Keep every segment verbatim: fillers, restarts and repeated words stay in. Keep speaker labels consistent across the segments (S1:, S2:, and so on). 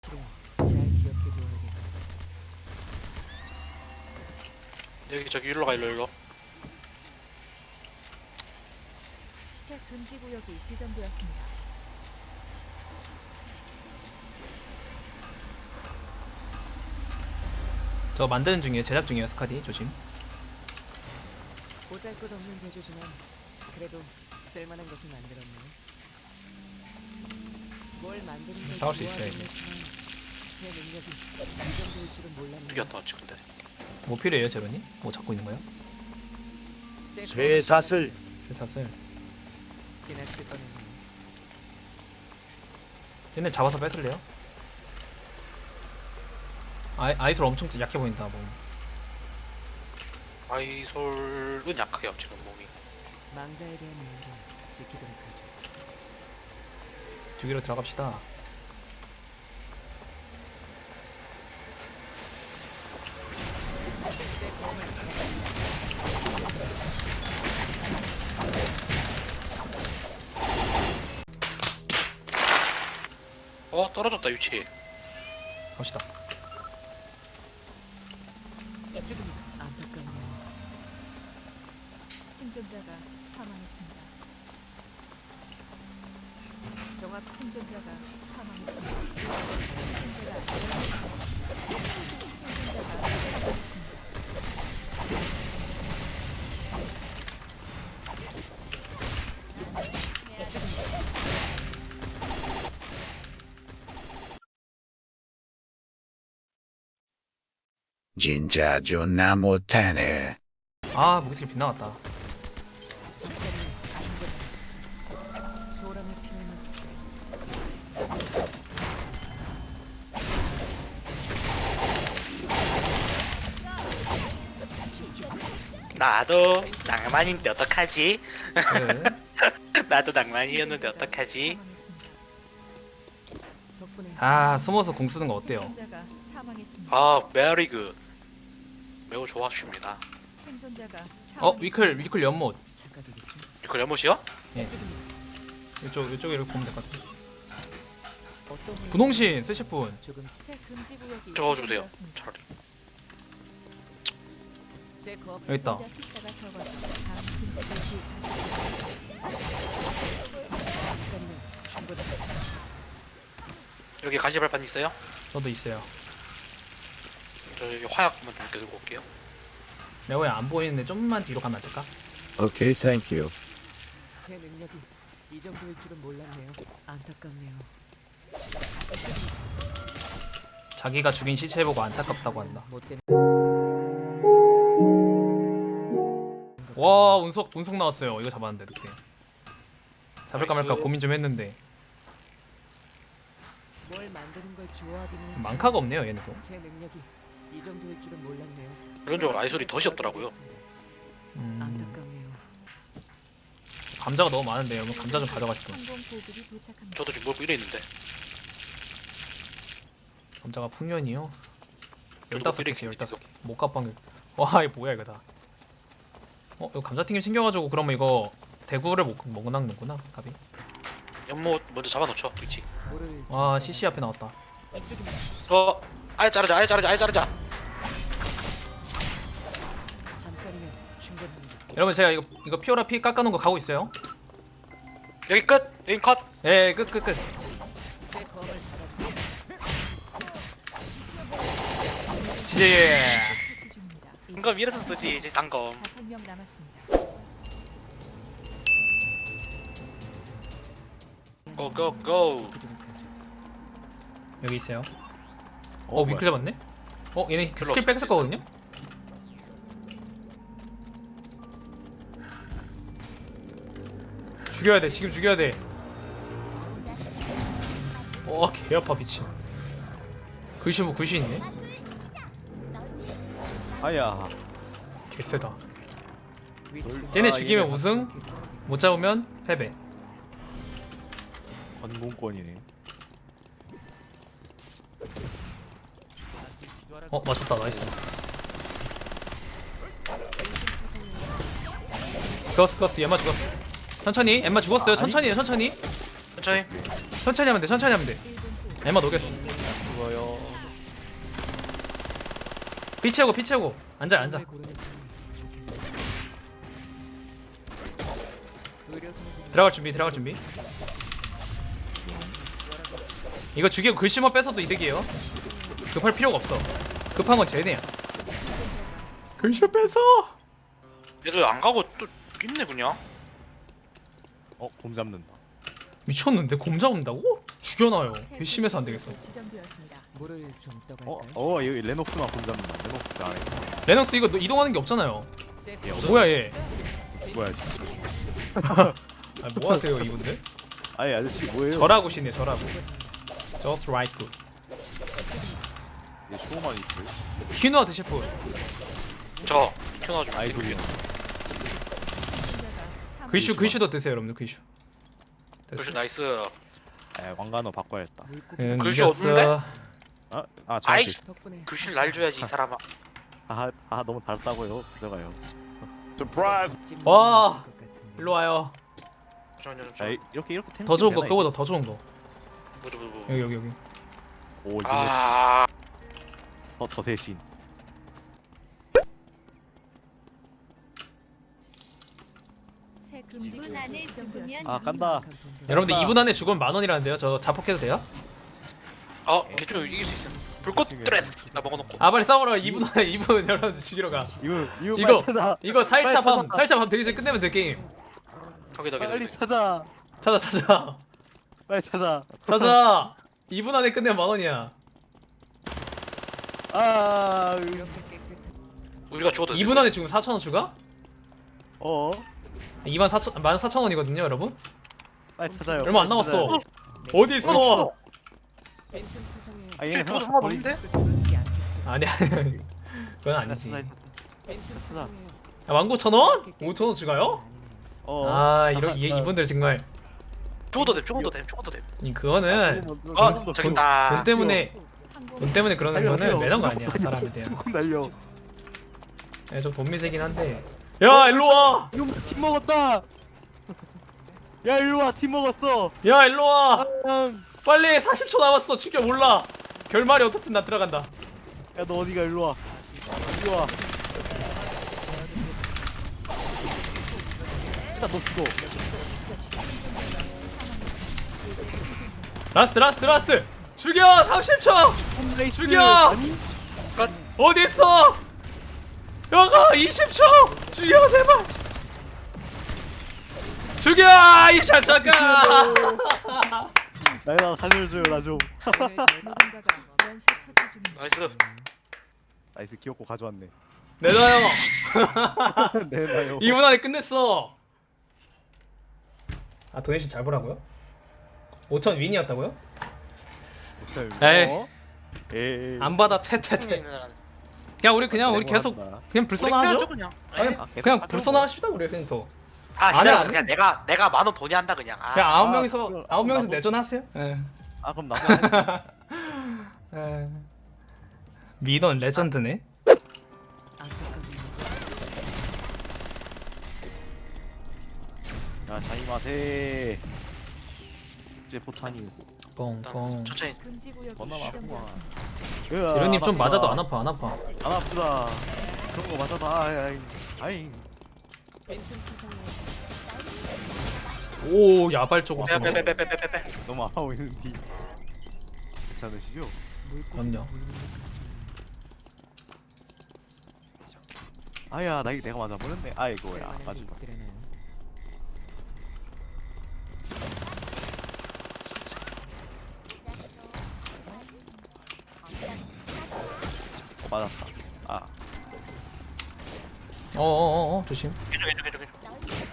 S1: 잘 기억해둬야겠다.
S2: 여기 저기 일로 가 일로 일로.
S3: 새 금지 구역이 지정되었습니다.
S4: 저 만드는 중이에요. 제작 중이에요. 스카디 조심.
S1: 보잘것없는 제조지만 그래도 쓸만한 것은 만들었네. 뭘 만드는 걸
S4: 싸울 수 있어요,
S1: 좋아하긴 했지만 제 능력이 이 정도일 줄은 몰랐네.
S2: 죽였다 지금데.
S4: 뭐 필요해요, 제로님? 뭐 잡고 있는 거예요?
S1: 제
S5: 쇠사슬
S4: 쇠사슬.
S1: 지나칠 뻔했네.
S4: 얘네 잡아서 뺏을래요? 아이, 아이솔 엄청 약해 보인다. 뭐.
S2: 아이솔은 약해요 지금 몸이.
S1: 망자에 대한 이유를 지키도록 하죠.
S4: 주기로 들어갑시다.
S2: 어 떨어졌다 유치.
S4: 갑시다.
S1: 안타깝네요.
S3: 생존자가 사망했습니다.
S1: 정확
S3: 생존자가 사망했습니다. 생존자가 생존자가 사망했습니다.
S5: 진짜 존나 못하네.
S4: 아, 무기스킬 빗나갔다.
S1: 소란의 표현은
S2: 나도 낭만인데 어떡하지?
S4: 그.
S2: 나도 낭만이었는데 어떡하지?
S3: 사망했습니다.
S1: 덕분에
S4: 아, 숨어서 공 쓰는 거 어때요?
S3: 생존자가 사망했습니다.
S2: 아 메리 굿. 매우 좋았습니다.
S3: 생존자가
S4: 어,
S3: 사망했습니다.
S4: 위클, 위클 연못.
S1: 착각이겠죠.
S2: 이거 연못이요?
S4: 이쪽, 이쪽에 이렇게 보면 될 것 같아.
S1: 어떤
S4: 분홍신 쓰실 분.
S1: 조금
S3: 새 금지 구역이
S2: 저거 주세요
S3: 지정되었습니다.
S2: 차라리.
S1: 제 거업
S4: 여기 있다.
S3: 생존자 숫자가 적어서 다음 금지 구역이
S1: 충분히
S2: 여기 가시발판 있어요?
S4: 저도 있어요.
S2: 저 여기 화약만 좀 들고 올게요.
S4: 레오에 안 보이는데 좀만 뒤로 가면 안 될까?
S5: 오케이, 땡큐.
S1: 제 능력이 이 정도일 줄은 몰랐네요. 안타깝네요.
S4: 자기가 죽인 시체 보고 안타깝다고 한다.
S1: 못된
S4: 와, 운석, 운석 나왔어요. 이거 잡았는데, 그때. 잡을까 말까
S2: 나이스.
S4: 고민 좀 했는데.
S1: 뭘 만드는 걸 좋아하긴 했지만
S4: 망카가 없네요, 얘네도.
S1: 제 능력이 이 정도일 줄은 몰랐네요.
S2: 이런적으로 아이솔이 덫이 없더라고요.
S4: 음,
S1: 안타깝네요.
S4: 감자가 너무 많은데요. 그럼 감자 좀 가져가시죠.
S3: 항공 보급이 도착합니다.
S2: 저도 지금 먹고 이래 있는데.
S4: 감자가 풍년이요?
S2: 저도
S4: 열다섯
S2: 삐리
S4: 개씩 열다섯 개. 목갑방울. 와, 이거 뭐야, 이거 다. 어, 이거 감자튀김 챙겨가지고 그러면 이거 대구를 못 먹는구나, 갑이.
S2: 연못 먼저 잡아놓죠 위치.
S1: 뭐를
S4: 와, 씨씨 앞에 나왔다.
S1: 이쪽입니다.
S2: 어 아예 자르자 아예 자르자 아예 자르자.
S1: 잠깐이면 충분합니다.
S4: 여러분, 제가 이거 이거 피오라 피 깎아놓은 거 가고 있어요.
S2: 여기 끝. 여기 컷.
S4: 예, 끝, 끝, 끝.
S1: 제 거업을 받아
S4: 지지.
S3: 처치 중입니다.
S2: 이거 이래서 쓰지 이제 단검.
S3: 다섯 명 남았습니다.
S2: 고고고.
S4: 여기 있어요. 어, 위클 잡았네? 어, 얘네
S2: 별로
S4: 스킬 뺐을
S2: 없어.
S4: 거거든요? 죽여야 돼, 지금 죽여야 돼. 어, 개 아파, 미친. 글씨 뭐 글씨 있네?
S5: 아야.
S4: 개쎄다.
S1: 위치
S4: 쟤네
S5: 아,
S4: 죽이면
S5: 얘네
S4: 우승, 못 잡으면 패배.
S5: 건공권이네.
S4: 어, 맞췄다, 나이스. 죽었어, 죽었어, 얘만 죽었어. 천천히, 엠마 죽었어요. 천천히 해, 천천히.
S2: 천천히.
S4: 천천히 하면 돼, 천천히 하면 돼.
S3: 일 분 후
S4: 엠마 녹였어.
S5: 죽어
S6: 죽어요.
S4: 피 채우고 피 채우고 앉아 앉아.
S1: 정말 고르는 편이 좋겠네요. 의료 선생님,
S4: 들어갈 준비 들어갈 준비. 이거 죽이고 글씨만 뺏어도 이득이에요. 급할 필요가 없어. 급한 건 쟤네야. 글씨 뺏어.
S2: 얘들 안 가고 또 있네 그냥.
S6: 어, 곰 잡는다.
S4: 미쳤는데 곰 잡는다고? 죽여놔요. 괘씸해서 안 되겠어.
S3: 지정되었습니다.
S1: 물을 좀
S6: 어,
S1: 떠갈까요?
S6: 어, 여기 레녹스만 곰 잡는다. 레녹스 안에.
S4: 레녹스 이거 너 이동하는 게 없잖아요.
S1: 잽.
S2: 없어.
S4: 뭐야 얘?
S6: 뭐야?
S4: 아, 뭐 하세요 이분들?
S6: 아니 아저씨 뭐예요?
S4: 절하고시네 절하고. Just right good.
S6: 얘 쇼만 있고.
S4: 퀴노아 드실 분.
S2: 저 켜놔 좀.
S6: 아이돌이야.
S4: 글슈 글슈도 드세요 여러분들 글슈.
S2: 글씨 나이스.
S6: 아, 왕관어 바꿔야겠다.
S1: 물고기
S4: 응,
S2: 글슈
S4: 이겼어.
S2: 없는데?
S6: 아, 아,
S2: 아이
S6: 저한테.
S1: 덕분에
S2: 글씨를 날 줘야지 이 사람아.
S6: 아, 아 너무 달다고요. 가져가요.
S1: 찜
S4: 와,
S1: 먹을 것 같은데.
S4: 일로 와요.
S2: 잠깐만
S6: 자, 이- 이렇게 이렇게 템.
S4: 더 좋은 거 그거보다 더 좋은 거.
S2: 뭐죠 뭐 뭐.
S4: 여기 여기 여기.
S6: 오, 이거
S2: 아
S6: 더, 더 대신.
S3: 새 금지
S7: 이분
S3: 구역이
S7: 안에
S3: 지정되었습니다.
S7: 죽으면
S6: 아, 깐다.
S4: 여러분들
S6: 아.
S4: 이 분 안에 죽으면 만 원이라는데요. 저 자폭해도 돼요?
S2: 어, 개초 이길 수 있어. 불꽃 드레스 나 먹어놓고.
S4: 아 빨리 싸우러 이 분 안에 이 분 여러분들 죽이러 가.
S6: 이거 이거
S4: 이거
S6: 빨리 찾아.
S4: 이거 살차
S6: 빨리
S4: 밤
S6: 찾아.
S4: 살차 밤 되기 전에 끝내면 돼 게임.
S2: 덕이 덕이
S6: 빨리
S2: 덕이.
S6: 찾아.
S4: 찾아 찾아
S6: 빨리 찾아.
S4: 찾아. 이 분 안에 끝내면 만 원이야.
S6: 아,
S1: 이렇게 깨끗한
S2: 우리가 죽어도
S4: 이 분 안에 죽으면 사천 원 추가?
S6: 어,
S4: 이만 사천 만 사천 원이거든요, 여러분.
S6: 빨리 찾아요.
S4: 얼마 안
S6: 빨리 찾아요.
S4: 남았어. 어디 있어?
S1: 팬텀 투성에
S6: 아, 얘
S2: 쟤 죽어도
S6: 하나
S2: 상관없는데?
S1: 그러지 않겠어.
S4: 아니 아니 아니. 그건
S6: 나
S4: 아니지.
S6: 찾아.
S1: 팬텀
S6: 찾아.
S1: 투성에
S4: 아, 만 구천 원? 오천 원 추가요?
S6: 어.
S4: 아 이런 이 이분들 정말
S2: 죽어도 돼 죽어도 돼 죽어도 돼.
S4: 이 그거는
S2: 어 저기 있다.
S4: 돈 때문에 돈 때문에 그러는
S6: 달려,
S4: 거는
S6: 달려.
S4: 매너인 거 아니야 사람에 대한.
S6: 조금 날려.
S4: 네, 좀 돈미세긴 한데. 야 일로 와.
S6: 이거 팀 먹었다. 야, 일로 와. 팀 먹었어.
S4: 야 일로 와.
S6: 아,
S4: 빨리 사십 초 남았어. 죽여 몰라. 결말이 어떻든 나 들어간다.
S6: 야, 너 어디가? 일로 와. 일로 와. 일단 너 죽어.
S4: 라스 라스 라스. 죽여 삼십 초.
S6: 나이스.
S4: 죽여!
S6: 아니?
S4: 어디 있어? 여가 이십 초. 죽여 제발. 죽여 이 샤샤가.
S6: 나, 나 살려줘요. 나 좀.
S3: 누군가가 연쇄 처치 중입니다.
S2: 나이스.
S6: 나이스. 귀엽고 가져왔네.
S4: 내놔요.
S6: 내놔요.
S4: 이 분 안에 끝냈어. 아 도네이션 잘 보라고요? 오천 윈이었다고요? 에이.
S6: 어? 에이.
S4: 안 받아 퇴퇴퇴. 그냥 우리 그냥 우리 계속 그냥 불쏘나
S2: 우리
S4: 하죠?
S2: 그냥.
S4: 아니,
S2: 아니,
S6: 아, 계속
S4: 그냥
S6: 하죠,
S4: 불쏘나
S6: 뭐.
S4: 하십시다 우리 그냥 더.
S2: 아
S4: 안 해,
S2: 기다려.
S4: 안 해.
S2: 그냥 내가 내가 만 원 돈이 한다 그냥.
S4: 그냥
S2: 아,
S4: 아홉
S6: 아,
S4: 명이서
S6: 그럼
S4: 아홉 명이서
S6: 나도-
S4: 내전하세요. 예.
S6: 아, 그럼 나도 할-
S4: 예. 민원 레전드네.
S1: 안타깝네요.
S6: 야, 자이마세. 이제 포탄이.
S2: 일단
S4: 뻥뻥.
S2: 천천히.
S3: 금지 구역이
S6: 겁나
S3: 지정되었습니다.
S4: 이런님 좀 맞아도 안 아파 안 아파.
S6: 안 아프다. 그런 거 맞아도 아이 아이 아이.
S1: 팬텀 투성에
S4: 오 야발적으로. 쏘네.
S2: 빼빼빼빼빼빼빼.
S6: 너무 아파고 있는데. 괜찮으시죠?
S1: 물고기
S4: 그럼요.
S6: 아야, 나 이거 내가 맞아 버렸네. 아이고야.
S1: 쓸만한 게
S6: 마지막.
S1: 있으려나요?
S6: 어, 맞았다. 아,
S4: 어어어 조심.
S2: 괜찮 괜찮 괜찮 괜찮.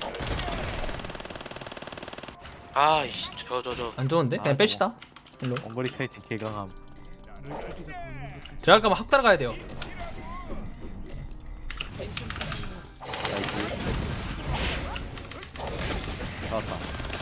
S2: 아이씨 저 저 저.
S4: 안 좋은데? 그냥
S6: 아,
S4: 뺍시다. 일로.
S6: 원거리 카이팅 개강함.
S1: 물고기가 보이는 듯한
S4: 들어갈 거면 확 따라가야 돼요.
S1: 팬텀 투성에
S6: 나이스. 나왔다.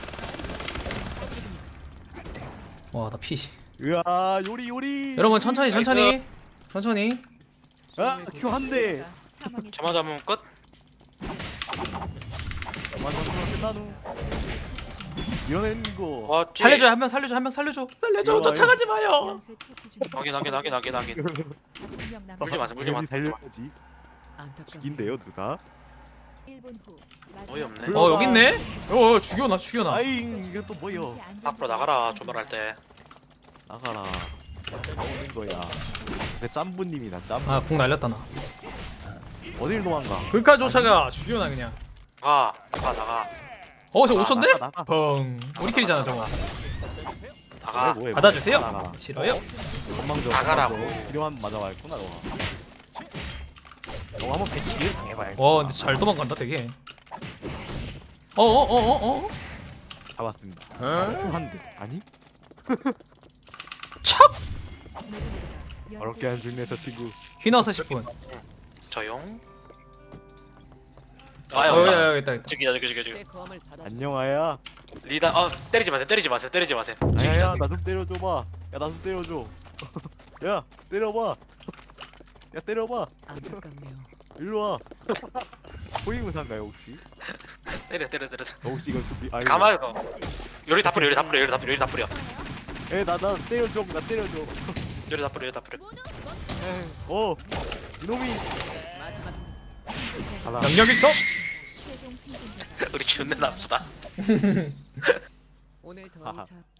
S4: 와 나 피시.
S6: 으아, 요리 요리.
S4: 여러분 천천히 천천히 천천히.
S6: 아, 큐 한 대.
S3: 사망했습니다.
S2: 저만 잡으면 끝.
S6: 완전 끝나누. 이런 거.
S2: 와 찌.
S4: 살려줘 한 명 살려줘 한 명 살려줘 살려줘
S6: 일로
S4: 쫓아가지 마요.
S3: 연쇄 처치 중입니다.
S2: 확인 확인 확인 확인 확인.
S3: 다섯 명 남았습니다.
S2: 물지 마세요 물지
S6: 당연히
S2: 마세요.
S6: 살려야지.
S1: 안타깝네요.
S6: 인데요 누가?
S3: 일 분 후. 마지막
S2: 어이없네.
S6: 불러.
S4: 어 여기 있네. 어 죽여놔 죽여놔.
S6: 아잉 이거 또 뭐여?
S3: 잠시 안전
S2: 앞으로 나가라
S3: 지역에
S2: 조별할 때.
S6: 나가라. 나오는 거야. 내 짬부님이 난 짬부.
S4: 아궁 날렸다 나.
S6: 어딜 도망가?
S4: 그까 쫓아가 죽여놔 그냥.
S2: 가 나가 나가
S4: 어저
S6: 나-
S4: 오천데?
S6: 나가, 나가.
S4: 펑. 우리끼리잖아 저거.
S2: 나가.
S6: 뭐해, 뭐해,
S4: 받아주세요.
S6: 나가라.
S4: 싫어요?
S6: 건망져.
S2: 나가라고.
S6: 건망져. 필요한 맞아와있구나 너가. 너 한번 배치기를 당해봐야.
S4: 와 근데 잘 도망간다 되게. 어어어어 어.
S6: 잡았습니다. 한 대. 아니?
S4: 찹.
S3: 연쇄
S6: 어렵게 한 중네 저 친구.
S4: 휘너서 십 분.
S2: 저용.
S4: 어
S2: 아유
S4: 여기
S2: 야
S4: 여기 있다 있다.
S2: 저기 저기 저기 저기.
S1: 제 검을 받아.
S6: 안녕하야.
S2: 리다 어 때리지 마세요 때리지 마세요 때리지 마세요. 저기
S6: 아야야
S2: 저기.
S6: 나 좀 때려줘봐. 야 나 좀 때려줘. 야 때려봐. 야 때려봐.
S1: 안타깝네요.
S6: 일로 와. 호위무사인가요 혹시?
S2: 때려 때려 때려.
S6: 너 혹시 이거 좀 미... 아이고.
S2: 가만히 거. 요리 다 뿌려 요리 다 뿌려 요리 다 뿌려 요리 다 뿌려
S6: 에나나 때려줘 나 때려줘.
S2: 요리 다 뿌려 요리 다 뿌려.
S6: 어 이놈이.
S1: 마지막
S6: 가라.
S4: 영역 있어?
S3: 최종 생존자가
S2: 우리 존나 나쁘다.
S1: 오늘 더
S6: 하하.
S1: 이상